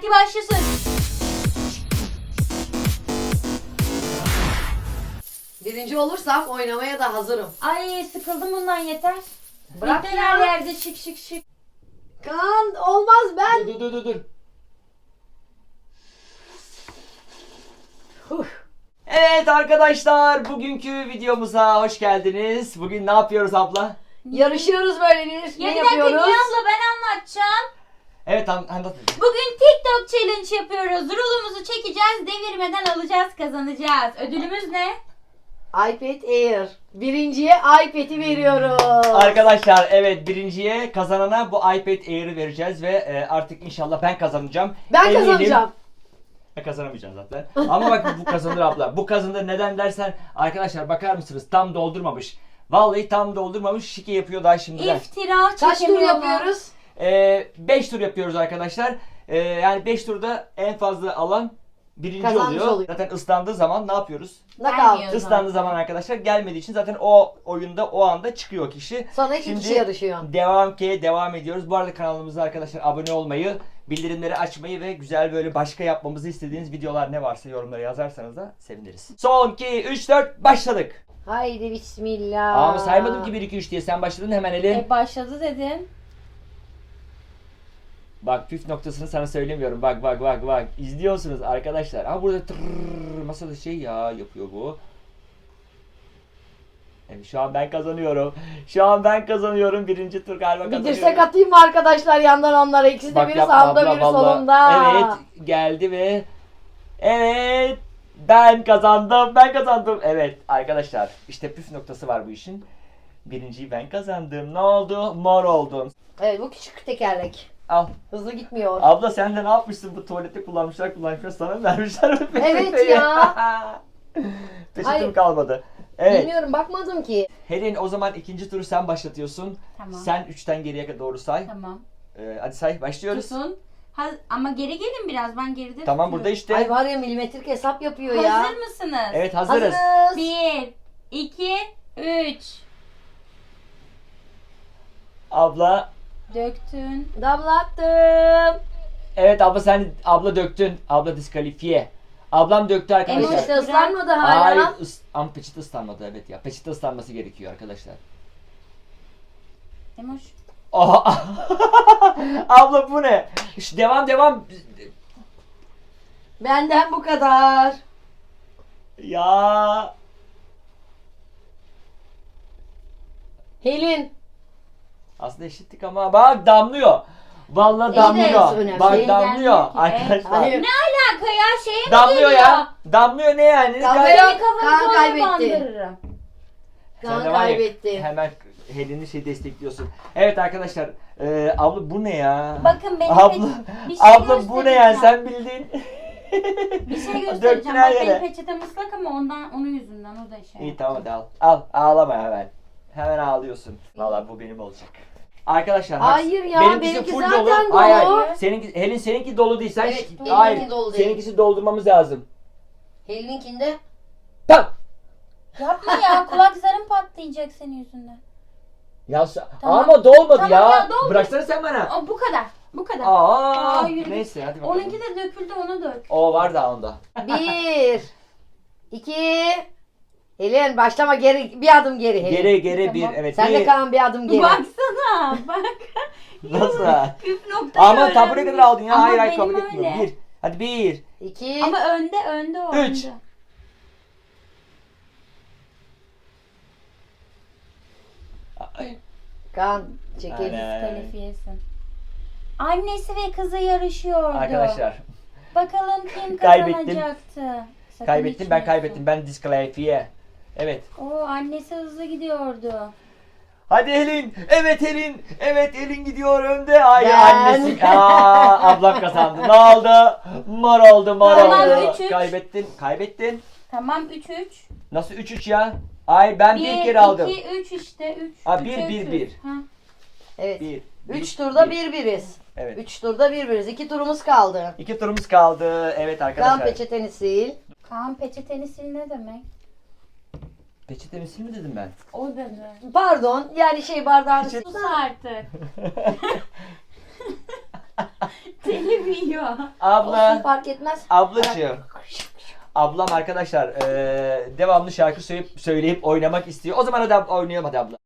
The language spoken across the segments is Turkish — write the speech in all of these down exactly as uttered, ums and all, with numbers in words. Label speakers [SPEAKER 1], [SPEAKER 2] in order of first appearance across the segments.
[SPEAKER 1] Vakti başlasın.
[SPEAKER 2] Birinci olursam oynamaya da hazırım.
[SPEAKER 1] Ay sıkıldım bundan yeter.
[SPEAKER 2] Bırak
[SPEAKER 1] Yeter
[SPEAKER 2] ya.
[SPEAKER 1] her yerde şık şık şık.
[SPEAKER 2] Kaan olmaz ben.
[SPEAKER 3] Dur dur dur dur.
[SPEAKER 2] Huh.
[SPEAKER 3] Evet arkadaşlar, bugünkü videomuza hoş geldiniz. Bugün ne yapıyoruz abla?
[SPEAKER 2] Yarışıyoruz böyle bir.
[SPEAKER 1] Ya
[SPEAKER 2] Ne
[SPEAKER 1] bir dakika Niye
[SPEAKER 2] yapıyoruz?
[SPEAKER 1] abla ben anlatacağım.
[SPEAKER 3] Evet an anlat.
[SPEAKER 1] Bugün TikTok challenge yapıyoruz. Rulumuzu çekeceğiz, devirmeden alacağız, kazanacağız. Ödülümüz ne?
[SPEAKER 2] iPad Air. Birinciye iPad'i veriyoruz.
[SPEAKER 3] Arkadaşlar evet, birinciye, kazanana bu iPad Air'ı vereceğiz ve e, artık inşallah ben kazanacağım.
[SPEAKER 2] Ben
[SPEAKER 3] Eminim.
[SPEAKER 2] kazanacağım.
[SPEAKER 3] Ben kazanamayacağım zaten. Ama bak bu kazanır abla. Bu kazanır, neden dersen arkadaşlar bakar mısınız, tam doldurmamış. Vallahi tam doldurmamış, şike yapıyor daha şimdiden.
[SPEAKER 1] İftira
[SPEAKER 2] Kaç tur
[SPEAKER 1] çekemiyorlar.
[SPEAKER 2] yapıyoruz?
[SPEAKER 3] beş tur yapıyoruz arkadaşlar. Ee, yani beş turda en fazla alan birinci
[SPEAKER 2] Kazanmış
[SPEAKER 3] oluyor.
[SPEAKER 2] oluyor.
[SPEAKER 3] Zaten ıslandığı zaman ne yapıyoruz?
[SPEAKER 2] Knockout.
[SPEAKER 1] Gelmiyor.
[SPEAKER 3] Islandığı zaman arkadaşlar gelmediği için zaten o oyunda o anda çıkıyor kişi.
[SPEAKER 2] Sonra iki
[SPEAKER 3] Şimdi
[SPEAKER 2] kişi yarışıyor.
[SPEAKER 3] Devam ki devam ediyoruz. Bu arada kanalımıza arkadaşlar abone olmayı, bildirimleri açmayı ve güzel böyle başka yapmamızı istediğiniz videolar ne varsa yorumlara yazarsanız da seviniriz. Son iki üç dört başladık.
[SPEAKER 2] Haydi bismillah.
[SPEAKER 3] Ama saymadım ki bir iki üç diye, sen başladın hemen Elin.
[SPEAKER 1] E başladı dedim.
[SPEAKER 3] Bak püf noktasını sana söylemiyorum. Bak bak bak bak. İzliyorsunuz arkadaşlar. Ama burada tırrrr, masada şey ya yapıyor bu. Evet, şu an ben kazanıyorum. Şu an ben kazanıyorum. Birinci tur galiba
[SPEAKER 2] Bir
[SPEAKER 3] kazanıyorum.
[SPEAKER 2] dirsek atayım mı arkadaşlar yandan onlara? İkisi de
[SPEAKER 3] Bak
[SPEAKER 2] biri
[SPEAKER 3] yapma
[SPEAKER 2] sağda
[SPEAKER 3] abla,
[SPEAKER 2] biri
[SPEAKER 3] vallahi.
[SPEAKER 2] solunda.
[SPEAKER 3] Evet geldi ve evet ben kazandım. Ben kazandım. Evet arkadaşlar işte püf noktası var bu işin. Birinciyi ben kazandım. Ne oldu? Mor oldum.
[SPEAKER 2] Evet bu küçük tekerlek.
[SPEAKER 3] Al.
[SPEAKER 2] Hızlı gitmiyor.
[SPEAKER 3] Abla sen de ne yapmışsın, bu tuvalette kullanmışlar kullanmışlar sana mı vermişler bu
[SPEAKER 2] Evet
[SPEAKER 3] peçeteyi?
[SPEAKER 2] ya.
[SPEAKER 3] Peçetem
[SPEAKER 2] Hayır.
[SPEAKER 3] kalmadı. Evet.
[SPEAKER 2] Bilmiyorum bakmadım ki.
[SPEAKER 3] Helin, o zaman ikinci turu sen başlatıyorsun.
[SPEAKER 1] Tamam.
[SPEAKER 3] Sen üçten geriye doğru say.
[SPEAKER 1] Tamam.
[SPEAKER 3] Ee, hadi say, başlıyoruz.
[SPEAKER 1] Tutun. Ha, ama geri gelin biraz, ben geride
[SPEAKER 3] Tamam burada
[SPEAKER 1] tutuyorum.
[SPEAKER 3] işte.
[SPEAKER 2] Ay var ya milimetrik hesap yapıyor ya.
[SPEAKER 1] Hazır mısınız?
[SPEAKER 3] Evet hazırız.
[SPEAKER 2] Hazırız.
[SPEAKER 1] Bir, iki, üç.
[SPEAKER 3] Abla.
[SPEAKER 1] Döktün.
[SPEAKER 2] Damlattım.
[SPEAKER 3] Evet abla, sen abla döktün. Abla diskalifiye. Ablam döktü arkadaşlar.
[SPEAKER 2] Ama işte ıslanmadı hala.
[SPEAKER 3] Hayır, ıs- ama peçete ıslanmadı, evet ya. Peçete ıslanması gerekiyor arkadaşlar.
[SPEAKER 1] Emoş.
[SPEAKER 3] Oha. Abla bu ne? Şu devam devam.
[SPEAKER 2] Benden bu kadar.
[SPEAKER 3] Ya.
[SPEAKER 2] Helin.
[SPEAKER 3] Aslında eşittik ama bak damlıyor. Vallahi
[SPEAKER 2] İyi de
[SPEAKER 3] damlıyor.
[SPEAKER 2] önemli.
[SPEAKER 3] Bak
[SPEAKER 2] Şey
[SPEAKER 3] damlıyor
[SPEAKER 1] gelmiyor ki.
[SPEAKER 3] arkadaşlar.
[SPEAKER 2] Hayır.
[SPEAKER 1] Ne alaka ya, şeye mi
[SPEAKER 3] Damlıyor
[SPEAKER 1] geliyor?
[SPEAKER 3] ya. Damlıyor ne yani?
[SPEAKER 2] Damlıyor.
[SPEAKER 3] Gay-
[SPEAKER 1] Seni kafanı
[SPEAKER 2] Kaan
[SPEAKER 1] doğru
[SPEAKER 2] kaybetti.
[SPEAKER 1] bandırırım.
[SPEAKER 3] Sen
[SPEAKER 2] Kaan
[SPEAKER 3] de var ya,
[SPEAKER 2] kaybetti.
[SPEAKER 3] Hemen Helen'i şey destekliyorsun. Evet arkadaşlar. E, abla bu ne ya?
[SPEAKER 1] Bakın benim
[SPEAKER 3] abla,
[SPEAKER 1] peç- bir şey
[SPEAKER 3] abla bu ne yani,
[SPEAKER 1] göstereceğim.
[SPEAKER 3] sen bildin.
[SPEAKER 1] Bir şey
[SPEAKER 3] Döktün
[SPEAKER 1] göstereceğim.
[SPEAKER 3] her
[SPEAKER 1] Bak
[SPEAKER 3] yere.
[SPEAKER 1] benim peçetem ıslak ama ondan, onun yüzünden o da şey.
[SPEAKER 3] İyi tamam hadi al. Al ağlama hemen. Hemen ağlıyorsun. Vallahi bu benim olacak. Arkadaşlar
[SPEAKER 2] Hayır ya,
[SPEAKER 3] benimkisi
[SPEAKER 2] benimki
[SPEAKER 3] full
[SPEAKER 2] zaten
[SPEAKER 3] dolu. Hayır,
[SPEAKER 2] dolu.
[SPEAKER 3] hayır. Seninki, Helin seninki dolu değil. Sen
[SPEAKER 2] Evet,
[SPEAKER 3] şi-
[SPEAKER 2] benimki
[SPEAKER 3] hayır.
[SPEAKER 2] dolu değil.
[SPEAKER 3] Seninkisi doldurmamız lazım.
[SPEAKER 2] Helin'inkinde.
[SPEAKER 3] Tamam.
[SPEAKER 1] Yapma ya, kulak zarın patlayacak senin yüzünden.
[SPEAKER 3] Ya sa-
[SPEAKER 1] Tamam.
[SPEAKER 3] ama dolmadı
[SPEAKER 1] Tamam
[SPEAKER 3] ya.
[SPEAKER 1] ya, doldu.
[SPEAKER 3] Bıraksana sen bana.
[SPEAKER 1] O bu kadar. Bu kadar.
[SPEAKER 3] Aa,
[SPEAKER 1] Aa, yürü git.
[SPEAKER 3] neyse hadi bakalım.
[SPEAKER 1] Onunki de döküldü, onu dök.
[SPEAKER 3] O var da onda.
[SPEAKER 2] Bir. iki. Helin başlama, geri bir adım geri Helin.
[SPEAKER 3] Geri geri
[SPEAKER 1] Tamam.
[SPEAKER 3] bir evet.
[SPEAKER 2] Sen
[SPEAKER 3] bir.
[SPEAKER 2] de Kaan bir adım geri.
[SPEAKER 1] Baksana bak.
[SPEAKER 3] Nasıl?
[SPEAKER 1] Püf nokta
[SPEAKER 3] Ama
[SPEAKER 1] öğrenmiş.
[SPEAKER 3] tabure kadar aldın ya.
[SPEAKER 1] Ama
[SPEAKER 3] hayır hayır
[SPEAKER 1] benim
[SPEAKER 3] kabul etmiyorum.
[SPEAKER 1] öyle.
[SPEAKER 3] Bir. Hadi bir.
[SPEAKER 2] İki.
[SPEAKER 1] Ama önde önde o.
[SPEAKER 3] Üç.
[SPEAKER 1] önde.
[SPEAKER 3] Ay.
[SPEAKER 2] Kaan çekil.
[SPEAKER 3] Aynen.
[SPEAKER 1] Kalifiyesin. Annesi ve kızı yarışıyordu.
[SPEAKER 3] Arkadaşlar
[SPEAKER 1] Bakalım kim
[SPEAKER 3] Kaybettim.
[SPEAKER 1] kazanacaktı. Sakın
[SPEAKER 3] kaybettim ben
[SPEAKER 1] içmiyorsun.
[SPEAKER 3] kaybettim. Ben diskalifiye. Evet.
[SPEAKER 1] Oo, annesi hızlı gidiyordu.
[SPEAKER 3] Hadi Helin. Evet Helin. Evet Helin gidiyor önde. Ay
[SPEAKER 2] Ben.
[SPEAKER 3] annesi. Aa, ablam kazandı. Ne oldu? Mor oldu, mor
[SPEAKER 1] Tamam,
[SPEAKER 3] oldu.
[SPEAKER 1] üç üç.
[SPEAKER 3] Kaybettin. Kaybettin.
[SPEAKER 1] Tamam üç üç.
[SPEAKER 3] Nasıl üç üç ya? Ay ben bir, kere aldım.
[SPEAKER 1] iki, üç işte üç.
[SPEAKER 3] Ha, bir, bir, bir.
[SPEAKER 1] Ha.
[SPEAKER 2] Evet.
[SPEAKER 3] Bir.
[SPEAKER 2] Üç
[SPEAKER 3] bir,
[SPEAKER 2] turda
[SPEAKER 3] bir.
[SPEAKER 2] bir biriz.
[SPEAKER 3] Evet.
[SPEAKER 2] Üç turda bir biriz. İki turumuz kaldı.
[SPEAKER 3] İki turumuz kaldı. Evet
[SPEAKER 2] Kaan
[SPEAKER 3] arkadaşlar.
[SPEAKER 2] peçeteni sil.
[SPEAKER 1] Kaan peçeteni sil ne demek?
[SPEAKER 3] Peçetemi sil mi dedim ben?
[SPEAKER 1] O dedi.
[SPEAKER 2] Pardon yani şey bardağını
[SPEAKER 3] Peçete-
[SPEAKER 1] Sus artık. Telif gibi yiyor.
[SPEAKER 2] Olsun,
[SPEAKER 3] Abla.
[SPEAKER 2] fark etmez.
[SPEAKER 3] Ablacığım. Ablam arkadaşlar eee, devamlı şarkı söyleyip söyleyip oynamak istiyor. O zaman hadi ab- oynayalım hadi abla.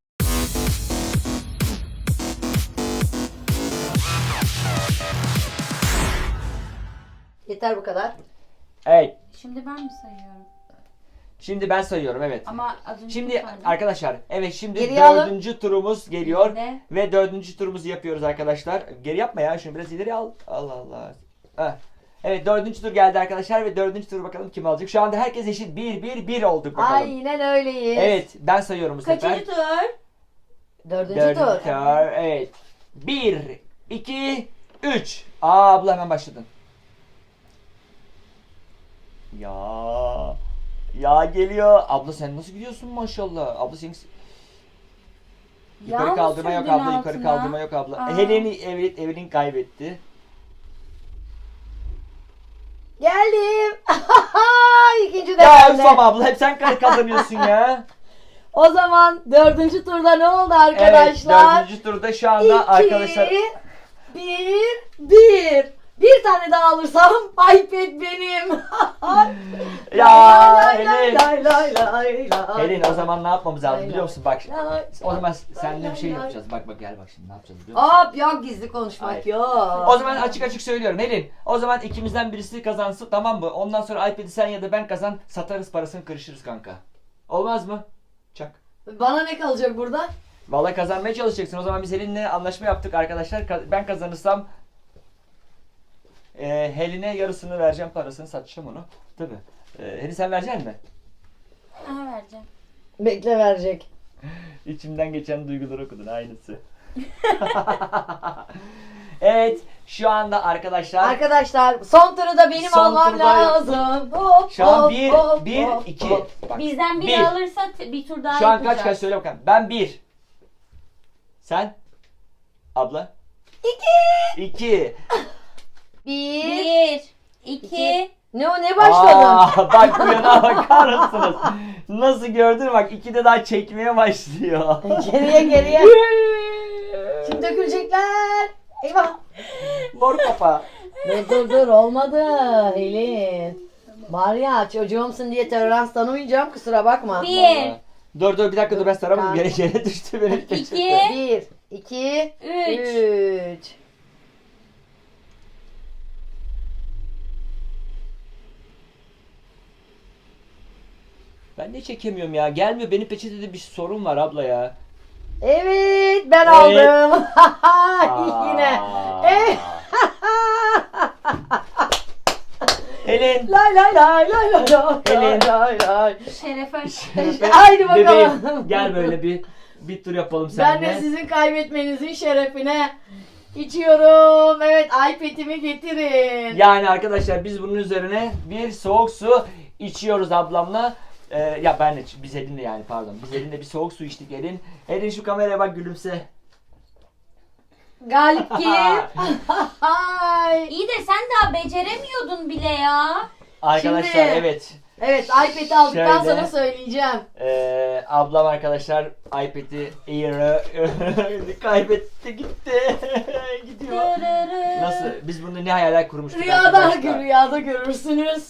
[SPEAKER 2] Yeter bu kadar.
[SPEAKER 3] Evet.
[SPEAKER 1] Şimdi ben mi sayıyorum?
[SPEAKER 3] Şimdi ben sayıyorum evet.
[SPEAKER 1] Ama az önce
[SPEAKER 3] Şimdi
[SPEAKER 1] saydım.
[SPEAKER 3] arkadaşlar evet şimdi
[SPEAKER 2] Geriye alın.
[SPEAKER 3] dördüncü turumuz geliyor.
[SPEAKER 1] Ne?
[SPEAKER 3] Ve dördüncü turumuzu yapıyoruz arkadaşlar. Geri yapma ya şunu biraz ileri al. Allah Allah. Heh. Evet dördüncü tur geldi arkadaşlar ve dördüncü tur bakalım kim alacak. Şu anda herkes eşit bir bir bir olduk bakalım.
[SPEAKER 2] Aynen öyleyiz.
[SPEAKER 3] Evet ben sayıyorum bu sefer.
[SPEAKER 1] Kaçıncı tur?
[SPEAKER 2] Dördüncü
[SPEAKER 3] Dördüncü
[SPEAKER 2] tur.
[SPEAKER 3] tur. Evet. Bir, iki, üç. Aa abla hemen başladın. Ya. Ya geliyor. Abla sen nasıl gidiyorsun maşallah. Abla senin... Yukarı
[SPEAKER 1] Yağ mı
[SPEAKER 3] kaldırma yok
[SPEAKER 1] sürdün
[SPEAKER 3] abla. Yukarı
[SPEAKER 1] altına?
[SPEAKER 3] kaldırma yok abla.
[SPEAKER 1] Aa.
[SPEAKER 3] Helen'i evet Evelyn kaybetti.
[SPEAKER 2] Geldim. İkinci de
[SPEAKER 3] Ya
[SPEAKER 2] bende.
[SPEAKER 3] Üsam abla hep sen kazanıyorsun ya.
[SPEAKER 2] O zaman dördüncü turda ne oldu
[SPEAKER 3] Evet
[SPEAKER 2] arkadaşlar?
[SPEAKER 3] dördüncü turda şu anda arkadaşlar.
[SPEAKER 2] İki, bir, bir. Bir tane daha alırsam iPad benim.
[SPEAKER 3] Ya
[SPEAKER 2] Lay lay
[SPEAKER 3] Helen.
[SPEAKER 2] lay lay lay lay.
[SPEAKER 3] Helen o zaman ne yapmamız lazım
[SPEAKER 2] Lay
[SPEAKER 3] biliyor musun? Bak
[SPEAKER 2] lay.
[SPEAKER 3] o zaman seninle bir şey
[SPEAKER 2] lay.
[SPEAKER 3] yapacağız. Bak bak gel bak şimdi ne yapacağız biliyor musun?
[SPEAKER 2] Hop yok gizli konuşmak
[SPEAKER 3] Hayır.
[SPEAKER 2] yok.
[SPEAKER 3] O zaman açık açık söylüyorum Helen. O zaman ikimizden birisi kazansın tamam mı? Ondan sonra iPad'i sen ya da ben kazan satarız parasını kırışırız kanka. Olmaz mı? Çak.
[SPEAKER 2] Bana ne kalacak burada?
[SPEAKER 3] Vallahi kazanmaya çalışacaksın. O zaman biz Helen'le anlaşma yaptık arkadaşlar. Ka- Ben kazanırsam e, Helen'e yarısını vereceğim parasını satacağım onu. Tabii. E, Helen sen verecek misin?
[SPEAKER 1] Aha vereceğim.
[SPEAKER 2] Bekle verecek.
[SPEAKER 3] İçimden geçen duyguları okudun aynısı. Evet şu anda arkadaşlar
[SPEAKER 2] Arkadaşlar son turu da benim
[SPEAKER 3] Son
[SPEAKER 2] almam
[SPEAKER 3] turda-
[SPEAKER 2] lazım. Hop,
[SPEAKER 3] şu an
[SPEAKER 2] hop,
[SPEAKER 3] bir,
[SPEAKER 2] hop,
[SPEAKER 3] bir,
[SPEAKER 2] hop,
[SPEAKER 3] iki.
[SPEAKER 2] hop.
[SPEAKER 3] Bak,
[SPEAKER 1] Bizden biri
[SPEAKER 3] bir.
[SPEAKER 1] alırsa t- bir tur daha
[SPEAKER 3] Şu an
[SPEAKER 1] yapacağız.
[SPEAKER 3] kaç kaç söyle bakalım. Ben bir. Sen? Abla?
[SPEAKER 2] İki.
[SPEAKER 3] İki.
[SPEAKER 2] Bir.
[SPEAKER 1] Bir, iki,
[SPEAKER 2] İki. Ne o ne başladın?
[SPEAKER 3] Aa, bak bu yana bakar mısınız? Nasıl gördün mü? Bak ikide daha çekmeye başlıyor.
[SPEAKER 2] Geriye geriye. Şimdi dökülecekler. Eyvah.
[SPEAKER 3] Mor kafa.
[SPEAKER 2] Dur dur dur olmadı Helin. Var ya çocuğumsun diye tolerans tanımayacağım kusura bakma.
[SPEAKER 1] bir,
[SPEAKER 3] Vallahi. Dur dur bir dakika dur ben saramadım.
[SPEAKER 2] Tamam.
[SPEAKER 3] Yere, yere düştü benim.
[SPEAKER 1] İki.
[SPEAKER 2] Bir, iki,
[SPEAKER 1] üç.
[SPEAKER 2] üç.
[SPEAKER 3] Ben de çekemiyorum ya. Gelmiyor. Benim peçetede bir sorun var abla ya.
[SPEAKER 2] Evet ben
[SPEAKER 3] Evet.
[SPEAKER 2] aldım. Yine.
[SPEAKER 3] Aa.
[SPEAKER 2] Evet.
[SPEAKER 3] Helen.
[SPEAKER 2] Lay lay lay lay lay lay
[SPEAKER 3] Helin.
[SPEAKER 2] lay lay.
[SPEAKER 1] şerefe.
[SPEAKER 2] İşte, haydi bakalım.
[SPEAKER 3] Bebeğim, gel böyle bir bir tur yapalım
[SPEAKER 2] Ben
[SPEAKER 3] seninle.
[SPEAKER 2] de sizin kaybetmenizin şerefine içiyorum. Evet iPad'imi getirin.
[SPEAKER 3] Yani arkadaşlar biz bunun üzerine bir soğuk su içiyoruz ablamla. Ee, ya ben de biz Elin'le yani pardon. Biz Elin'le bir soğuk su içtik Elin. Elin şu kameraya bak gülümse.
[SPEAKER 2] Galip kim? Ay.
[SPEAKER 1] İyi de sen daha beceremiyordun bile ya.
[SPEAKER 3] Arkadaşlar
[SPEAKER 2] Şimdi-
[SPEAKER 3] evet.
[SPEAKER 2] Evet iPad'i aldıktan
[SPEAKER 3] Şöyle.
[SPEAKER 2] sonra söyleyeceğim.
[SPEAKER 3] Ee, ablam arkadaşlar iPad'i Air'ı kaybetti gitti. Gidiyor.
[SPEAKER 1] Dırırı.
[SPEAKER 3] Nasıl? Biz bunu ne hayaller kurmuştuk
[SPEAKER 2] Rüyada,
[SPEAKER 3] arkadaşlar.
[SPEAKER 2] rüyada görürsünüz.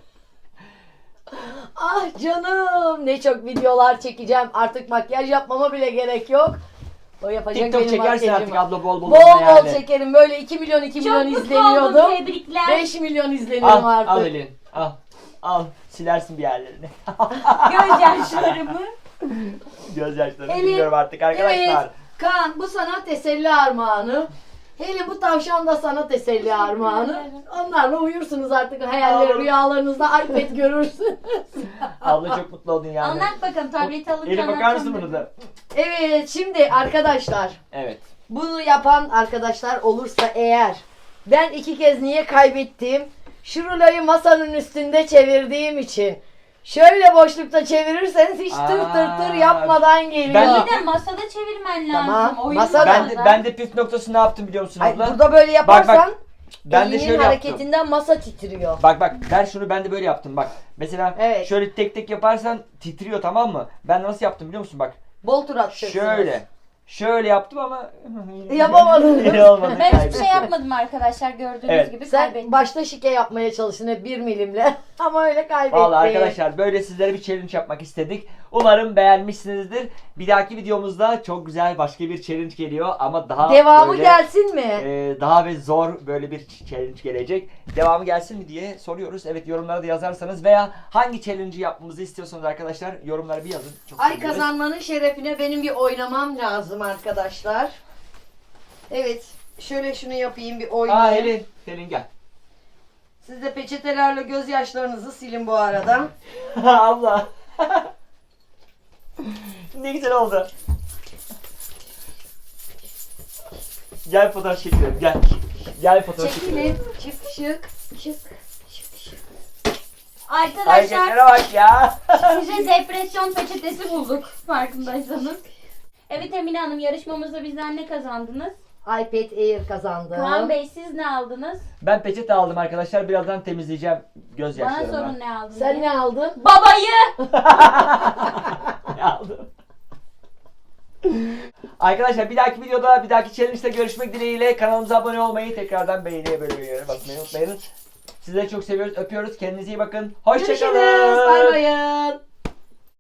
[SPEAKER 2] Ah canım ne çok videolar çekeceğim. Artık makyaj yapmama bile gerek yok. O yapacak
[SPEAKER 3] TikTok
[SPEAKER 2] benim
[SPEAKER 3] çekersin
[SPEAKER 2] makyajımı.
[SPEAKER 3] artık abla bol bol.
[SPEAKER 2] Bol
[SPEAKER 3] onunla
[SPEAKER 2] bol
[SPEAKER 3] yani.
[SPEAKER 2] çekerim. Böyle iki milyon iki
[SPEAKER 1] Çok
[SPEAKER 2] milyon
[SPEAKER 1] mutlu oldum,
[SPEAKER 2] izleniyordum.
[SPEAKER 1] tebrikler.
[SPEAKER 2] beş milyon izleniyorum
[SPEAKER 3] Al,
[SPEAKER 2] artık.
[SPEAKER 3] al Elin. Al. Al. Silersin bir yerlerini.
[SPEAKER 1] Gözyaşlarımı.
[SPEAKER 3] Gözyaşlarını
[SPEAKER 2] Elin,
[SPEAKER 3] biliyorum artık arkadaşlar.
[SPEAKER 2] Evet. Kaan bu sana teselli armağanı. Hele bu tavşan da sana teselli armağanı. Onlarla uyursunuz artık hayaller
[SPEAKER 3] Ağlarım.
[SPEAKER 2] rüyalarınızda iPad görürsünüz.
[SPEAKER 3] Abla çok mutlu oldun yani.
[SPEAKER 1] Anlat bakalım tableti alırken
[SPEAKER 3] Elin bakar mısın
[SPEAKER 1] anlatacağım
[SPEAKER 3] bunu da?
[SPEAKER 2] Evet şimdi arkadaşlar
[SPEAKER 3] Evet.
[SPEAKER 2] bunu yapan arkadaşlar olursa eğer ben iki kez niye kaybettim? Şu ruloyu masanın üstünde çevirdiğim için. Şöyle boşlukta çevirirseniz hiç tır tır tır
[SPEAKER 3] Aa,
[SPEAKER 2] yapmadan geliyor.
[SPEAKER 3] ben
[SPEAKER 1] İyi de masada çevirmen lazım.
[SPEAKER 2] Tamam,
[SPEAKER 1] Oyun
[SPEAKER 2] masada.
[SPEAKER 3] Ben de,
[SPEAKER 1] masada.
[SPEAKER 3] ben de püf noktası ne yaptım biliyor musun
[SPEAKER 2] Hayır,
[SPEAKER 3] abla?
[SPEAKER 2] burada böyle yaparsan
[SPEAKER 3] Bak, bak. Ben de
[SPEAKER 2] elinin
[SPEAKER 3] şöyle yaptım.
[SPEAKER 2] hareketinden masa titriyor.
[SPEAKER 3] Bak bak ver şunu ben de böyle yaptım bak. Mesela
[SPEAKER 2] Evet.
[SPEAKER 3] şöyle tek tek yaparsan titriyor tamam mı? Ben nasıl yaptım biliyor musun bak.
[SPEAKER 2] Bol tur atacaksınız.
[SPEAKER 3] Şöyle. Şöyle yaptım ama
[SPEAKER 2] Yapamadın.
[SPEAKER 3] olmadı.
[SPEAKER 1] Ben hiçbir
[SPEAKER 3] kaybettim.
[SPEAKER 1] şey yapmadım arkadaşlar, gördüğünüz
[SPEAKER 3] Evet.
[SPEAKER 1] gibi
[SPEAKER 2] Sen
[SPEAKER 1] kaybettim.
[SPEAKER 2] başta şike yapmaya çalıştın hep bir milimle ama öyle kaybettin.
[SPEAKER 3] Vallahi arkadaşlar böyle sizlere bir challenge yapmak istedik. Umarım beğenmişsinizdir. Bir dahaki videomuzda çok güzel başka bir challenge geliyor ama daha
[SPEAKER 2] Devamı
[SPEAKER 3] böyle,
[SPEAKER 2] gelsin mi?
[SPEAKER 3] e, daha ve zor böyle bir challenge gelecek. Devamı gelsin mi diye soruyoruz. Evet, yorumlara da yazarsanız veya hangi challenge'ı yapmamızı istiyorsanız arkadaşlar yorumlara bir yazın. Çok
[SPEAKER 2] Ay
[SPEAKER 3] seviniriz.
[SPEAKER 2] kazanmanın şerefine benim bir oynamam lazım arkadaşlar. Evet. Şöyle şunu yapayım bir
[SPEAKER 3] Aa
[SPEAKER 2] oynayayım.
[SPEAKER 3] Helin, Helin gel.
[SPEAKER 2] Siz de peçetelerle gözyaşlarınızı silin bu arada.
[SPEAKER 3] Allah. Ne güzel oldu. Gel fotoğraf çekelim, gel. Gel fotoğraf çekelim.
[SPEAKER 2] Çekilin. Çık şık. Çık. Çık şık.
[SPEAKER 1] Arkadaşlar
[SPEAKER 3] Hareketlere bak ya.
[SPEAKER 1] size depresyon peçetesi bulduk farkındaysanız. Evet Emine Hanım, yarışmamızda bizden ne kazandınız?
[SPEAKER 2] iPad Air kazandı.
[SPEAKER 1] Kaan Bey siz ne aldınız?
[SPEAKER 3] Ben peçete aldım arkadaşlar. Birazdan temizleyeceğim
[SPEAKER 1] Bana
[SPEAKER 3] gözyaşlarımı.
[SPEAKER 1] sorun ne aldınız?
[SPEAKER 2] Sen
[SPEAKER 1] diye.
[SPEAKER 2] ne aldın?
[SPEAKER 1] Babayı!
[SPEAKER 3] Ne aldım? Arkadaşlar bir dahaki videoda, bir dahaki challenge'da görüşmek dileğiyle. Kanalımıza abone olmayı, tekrardan beğeniye bölümüne basmayı unutmayın. Sizleri çok seviyoruz, öpüyoruz. Kendinize iyi bakın. Hoşçakalın.
[SPEAKER 2] Görüşürüz. Bay bayın.